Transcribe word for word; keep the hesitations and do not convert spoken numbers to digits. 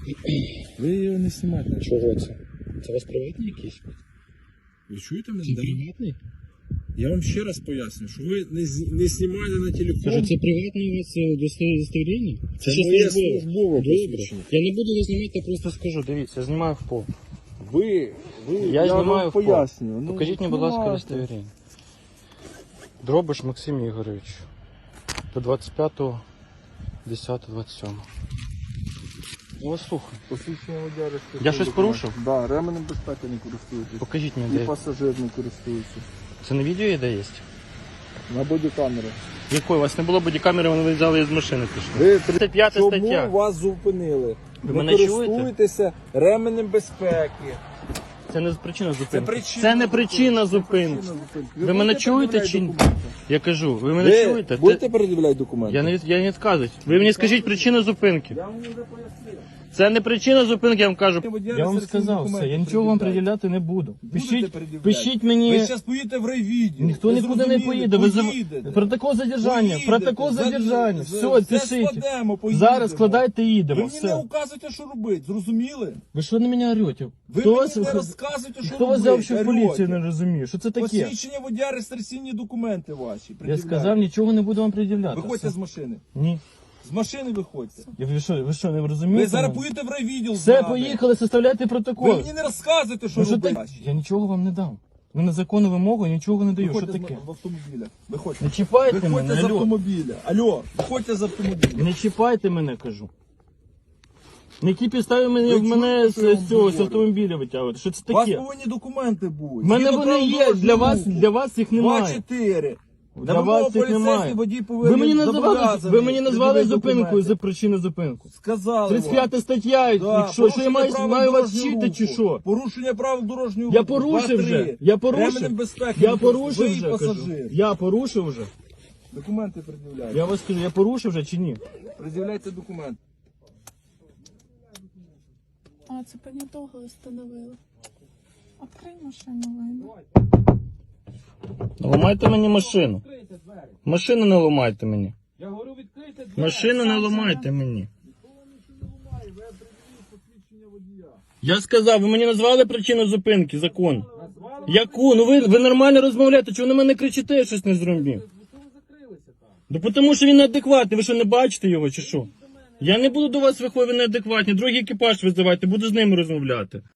Ви його не знімаєте. Чого це? Це у вас приватний якийсь? Ви чуєте мене? Це Да? приватний? Я вам ще раз поясню, що ви не, з- не знімаєте на телефон. Кажу, це приватне у вас е, досто- удостоверення? Це ще моє службове. службове Добре. посвідчення. Я не буду вас знімати, я просто скажу. Дивіться, я знімаю в пол. Ви, ви, Я, знімаю вам в пол. пояснюю. Ну, Покажіть мені, будь ласка, знімайте. удостоверення. Дробиш Максим Ігорович. До двадцять п'ятого десятого двадцять сьомого. Я вас слухаю. Посвідчення водія реєстраційного Я щось документу. порушив? Да, ременем безпеки не користуєтесь. Покажіть мені, І де. пасажир не користується. Це на відео є, де є? На бодікамери. Якої? У вас не було бодікамери, вони виїжджали з машини пішли. Ви тридцять п'ята Чому стаття. вас зупинили? Ви не мене чуєте? користуєтеся ременем безпеки. Це не причина зупинки. Це причина Це не зупинки. причина Це зупинки. причина зупинки. Ви мене будете чуєте пред'являти чи ні? документи? Я кажу, ви мене Ви чуєте? будете Це- передивляти документи? Я не, від- я не відказую. Ви мені скажіть причину зупинки. Я вам вже пояснив. Це не причина зупинки, я вам кажу. Водія Я вам реєстраційні сказав все, документи я нічого вам пред'являйте. приділяти не буду. Пишіть, пред'являти. пишіть мені. Ви зараз поїдете в райвідділ. Ніхто Ви нікуди не зрозуміли? поїде. Ви за- Поїдете. Протокол задержання, Поїдете. протокол За- задержання. за- Все, все пишіть. складемо, поїдемо. Зараз складайте і Ви їдемо. мені не Все. указуєте, що робити, зрозуміли? Ви що на мене орете? Ви Хто мені вас, не розказуєте, що хто вас робити. взяв, що в орете. поліцію не розуміє? Що це таке? Посвідчення водія, реєстраційні документи ваші. Я пред'являйте. сказав, нічого не буду вам пред'являти. Виходьте Все. з машини. Ні. З машини виходьте. Я- Ви що, ви що, не розумієте? Ви зараз мене? поїдете в райвідділ. з Все, нами. поїхали, составляйте Ви протокол. мені не розказуєте, що Ну, що робити. так? Я нічого вам не дам. Ви на законну вимогу нічого не даю. Що Виходьте з таке? м- в автомобіля. Виходьте. Не чіпайте Виходьте мене, з алло. автомобіля. Алло, виходьте з автомобіля. Не чіпайте мене, кажу. На які підстави мене, Ви в мене чуєте, з, що я вам з цього з говорю? автомобіля витягувати? Що це У вас таке? повинні документи бути. В мене Згідно вони правил є, дорожнього для вас, руху. для вас їх немає. два-чотири. Для вас їх немає. Ви мені назвали, ви мені назвали зупинку за причину зупинку. Сказали тридцять вам. п'ята стаття, Да, якщо, що я порушення маю, правил маю вас дорожнього вчити чи руху. що? Порушення правил дорожнього Я руху. порушив Два-три. вже, я порушив. Ременем безпеки. Я ви порушив і вже, кажу. пасажир. Я порушив вже. Документи пред'являйте. Я вас кажу, я порушив вже чи ні? Пред'являйте документи. А, це понятого встановили. Открий машину, вийду. Ламайте мені машину. Машину не ламайте мені. Я говорю, відкрийте двері. Машину не ламайте мені. Ви приділіть посвідчення водія. Я сказав, ви мені назвали причину зупинки, закон. Назвали? Яку? Ну ви, ви нормально розмовляєте, чого на мене кричите, я щось не зробив? Що ви закрилися там? Ну тому що він неадекватний, ви що не бачите його чи що? Я не буду до вас виходити, ви неадекватні, другий екіпаж визивайте, буду з ними розмовляти.